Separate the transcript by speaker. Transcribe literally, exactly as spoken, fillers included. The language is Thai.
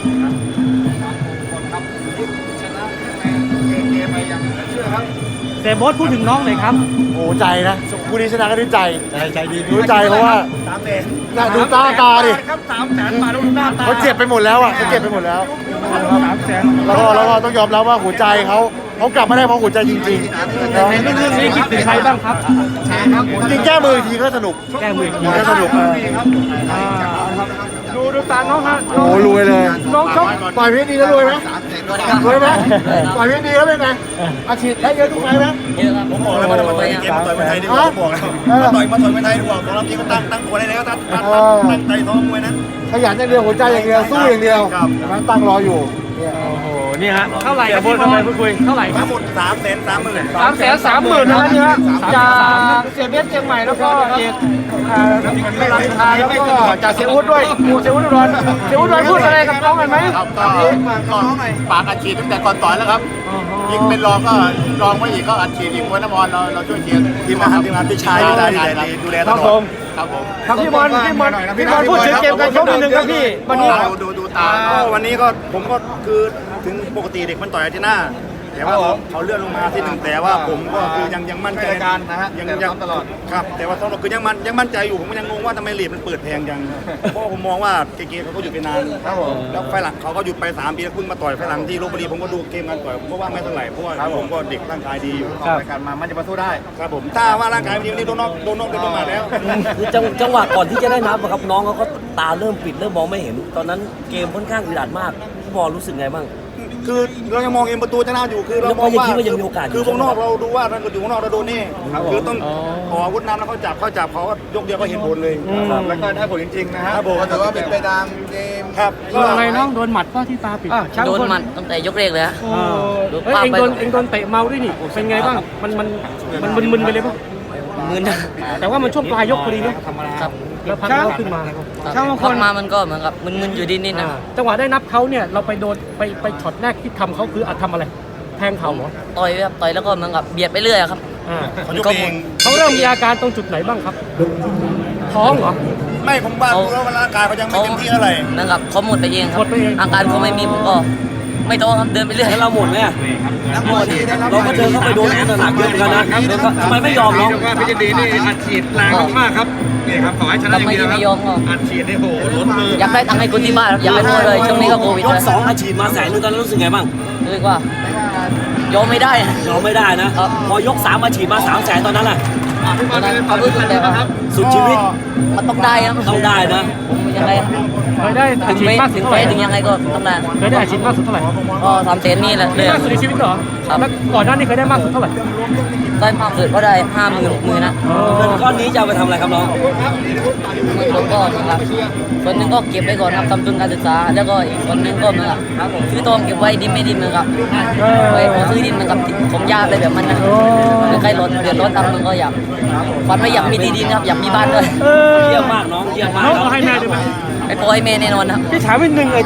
Speaker 1: ครับชนะเกมไปอย่างเหลือเชื่อครับ
Speaker 2: เซโบสพูดถึงน้องหน่อยครับ
Speaker 3: โอ้ใจนะคู่นี้ชนะก็ด้วยใจ
Speaker 1: ใจใจดี
Speaker 3: รู้ใจเพราะว่า
Speaker 1: สามแสน
Speaker 3: น่ะดูตาตาดิ
Speaker 1: ครับสามแสนบาทดูหน้าตา
Speaker 3: เขาเจ็บไปหมดแล้วอ่ะเขาเจ็บไปหมดแล้ว
Speaker 1: สามแสน
Speaker 3: แล้วก็แล้วก็ต้องยอมรับว่าหัวใจเขาเขากลับมาได้เพราะหัวใจจริงๆนะ
Speaker 2: ในเรื่องนี้คิดถึงใครบ้างครับ
Speaker 3: จริงๆแก้มืออีกทีก็สนุก
Speaker 2: แก้มืออีกที
Speaker 3: ก็สนุกเออ
Speaker 2: ดูดูตาน้องฮะ
Speaker 3: โอ้รวยเลย
Speaker 2: น้องชก
Speaker 3: ต่อยเพชรดีแล้วรวยไหมรวยไหมต่อยเพชรดีแล้วเป็นไงอาชีพได้เยอะทุกไฟไหม
Speaker 1: ผมบอกแล้วว่าจะมาต่อยเกมมาต่อยมวยไทยดีกว่าผมบอกแล้วมาต่อยมาต่อยมวยไทยดีกว่าของเราพี่ก็ตั้งตั้งตัวได้แล้วตั้งตั้งตั้งใจซ้อมมวยนั้น
Speaker 3: ขยันอย่างเดียวหัวใจอย่างเดียวสู้อย่างเดียว
Speaker 1: ครับ
Speaker 3: มันตั้งรออยู่เนี่ย
Speaker 2: โอ้โหนี่ฮะเท่าไหร่ครับพี่บอลพูดคุยเท่าไหร่ครั
Speaker 1: ทั้
Speaker 2: บ
Speaker 1: งหมดสามแสนสามหมื่น
Speaker 2: สามแสนสามหมื่นนะนี่ฮะจากเสียเบสเชียงใหม่แล้วก็เอกอ่าไม่รันทาแล้วก็จากเสียอุดด้วยหมู่เสียอุดอุดรเสียอุดอุดรพูดอะไรกับน้องกันไหม
Speaker 1: ครับก็ก็ปากอัดฉีดตั้งแต่ก่อนต่อยแล้วครับยิงเป็นรองก็รองไว้อีกก็อัดฉีดอีกมวยน้ำมอนเราเราช่วยเชียร์ทีมงานทีมงานพี่ชายดูแลดูแลตลอดครับผม
Speaker 2: ครับพี่บอลพี่บอลพี่บอลพูดถึงเกมการชกนิดนึงครับพี่วันนี้
Speaker 1: ดูดูดูตาก็วันนี้ก็ผมก็คือถึงปกติเด็กมันต่อยอาทิตย์หน้าแต่ว่าเขาเลื่อนลงมาที่หนึ่งแต่ว่าผมก็คือยังยังมั่นใจการนะฮะยังยังตลอดครับแต่ว่าตอนเราคือยังมันยังมั่นใจอยู่ผมก็ยังงงว่าทำไมลีดมันเปิดแพงจังเพราะผมมองว่าเกมเขาก็หยุดไปนานแล้วไฟหลังเขาก็หยุดไปสามปีแล้วเพิ่งมาต่อยไฟหลังที่ลพบุรีผมก็ดูเกมการต่อยผมก็ว่าไม่เท่าไหร่เพราะว่าผมก็เด็กร่างกายดีอยู่รายการมามันจะมาสู้ได้ครับผมถ้าว่าร่างกายไม่ดีวันนี้โดนนอกโดนนอกโดนมาแล้ว
Speaker 4: คือจังจังหวะก่อนที่จะได้นับอะครับน้องเขาก็ตาเริ่มปิดเริ่มมองไม่เห็น ตอนนั้นเกมค่อนข้างอึดอัดมากพี่บอลรู้สึกไงบ้าง
Speaker 1: คือเรายังมองเองประตูชนะอยู่คือเรามองว่า
Speaker 4: แล้วก็ยังคิดว่ายังมีโอกาสอยู่
Speaker 1: คือวงนอกเราดูว่าถ้าเกิดอยู่วงนอกเราโดนนี่คือต้องขออาวุธนำแล้วเขาจับเขาจับเขาก็ยกเดียวก็เห็นผลเลยครับแล้วก็ได้ผลจริงๆนะครับผมแต่ว่าเป็นไปตามเกมครับ
Speaker 2: โดนอะไรน้องโดนหมัดป่ะที่ตาปิด
Speaker 5: โดนหมัดตั้งแต่ยกแรกเลยฮะ
Speaker 2: เออเฮ้ยเองโดนเองโดนเตะเมาด้วยนี่เป็นไงบ้างมันมันมันมึนๆไปเลยป่ะ
Speaker 5: มือนะ
Speaker 2: แต่ว่ามันช่วงปลายยกพอดีเนาะ
Speaker 5: ครับ
Speaker 2: แล้วพักเขาขึ้นมา
Speaker 5: ช่างพักมามันก็เหมือนกับมึนๆอยู่นิดนิดๆนะ
Speaker 2: จังหวะได้นับเขาเนี่ยเราไปโดนไปไปช็อตแรกที่ทำเขาคืออัดทำอะไรแทงเขาเหรอ
Speaker 5: ต่อยครับต่อยแล้วก็เหมือนกับเบียดไปเรื่อยอะครับ
Speaker 2: อ่า
Speaker 1: เขายกเอง
Speaker 2: เขาเริ่มมีอาการตรงจุดไหนบ้างครับ ท้องเหรอ
Speaker 1: ไม่ผมว่าดูแล้วร่างกายเขายังไม่เต็มที่เท่าไหร่
Speaker 5: เหมือนกับเขาหมดไปเองครั
Speaker 2: หม
Speaker 5: บ
Speaker 2: ดไปเอง
Speaker 5: อาการเขาไม่มีผมก็ไม่โตครับเดินไปเรื่อย
Speaker 4: แล้วเราหมดไหมอะเราก็เดินเข้าไปโดนหนักๆเยอะเหมือนกันนะเดินเข้าทำไมไม่ยอมน้อง
Speaker 6: ว่าพิจิตรีนี่อัดฉีดแรงมากๆครับนี่ครับขอให้ชนะอย่าง
Speaker 5: ไม่
Speaker 6: เดียวค
Speaker 5: ไม่
Speaker 6: รับ
Speaker 5: ยอมก็
Speaker 6: อัดฉีดนี่โหล้นมือ
Speaker 5: อยากได้ตังค์ให้คนที่บ้านครับอยากให้พ่อเลยช่วงนี้ก็โควิด
Speaker 4: ย
Speaker 5: เล
Speaker 4: ก
Speaker 5: ย
Speaker 4: สองอาชีพมาแสนนึงตอนนั้นรู้สึกไงบ้าง
Speaker 5: รู้สึกว่ายอมไม่ได้
Speaker 4: ยอมไม่ได้นะ
Speaker 5: ครับ
Speaker 4: พอยกสามอาชีพมาสามแสนตอนนั้นแหละ
Speaker 5: ตอนนั้นเขารู้สึกแต่ว่า
Speaker 4: สุดชีวิต
Speaker 5: มันต้องได้ครับ
Speaker 4: ต้องได้นะ
Speaker 5: ผมยังไง
Speaker 2: เคยได้อา
Speaker 5: ถึง
Speaker 2: ชีพ
Speaker 5: ไม่
Speaker 2: มากสุ
Speaker 5: ถึ
Speaker 2: ด
Speaker 5: ง
Speaker 2: เท่า
Speaker 5: ไป
Speaker 2: ไหร่
Speaker 5: ถึงยังไงก็ต้องได้
Speaker 2: เคยได้อาชีพมากสุดเท่าไหร่
Speaker 5: ก็สามเซนนี่แหละเลย
Speaker 2: มากสุดในชีวิตเหรอ
Speaker 5: ครับ
Speaker 2: แล้วก่อนหน้านี้เคยได้มากสุดเท่าไหร่
Speaker 5: ได้มากสุดก็ได้ห้าหมื่นมือนะ
Speaker 4: เงินก้อนนี้จะเอาไปทำอะไรครับน้อง
Speaker 5: แล้วก็นะครับส่วนหนึ่งก็เก็บไว้ก่อนครับทำทุนการศึกษา แล้วก็อีกส่วนหนึ่งก็เหมือนกับซื้อทองเก็บไว้ดินไม่ดินเหมือนกับไว้ผมซื้อดินเหมือนกับผมยากเลยแบบมันนะหรือใครร้อนเดือดร้อนทำมันก็อยากฝันว่าอยากมีที่ดินครับอยากมีบ้านด้วย
Speaker 2: เออ
Speaker 4: เยี่ยมมากน้องเยี่ยมมาก
Speaker 2: น้อง
Speaker 4: น้อง
Speaker 2: เอาให้แม่ได้ไหม
Speaker 5: ไอ้ปอยเมย์แน่นอนครับ
Speaker 2: พี่ถามนิดนึงไอ้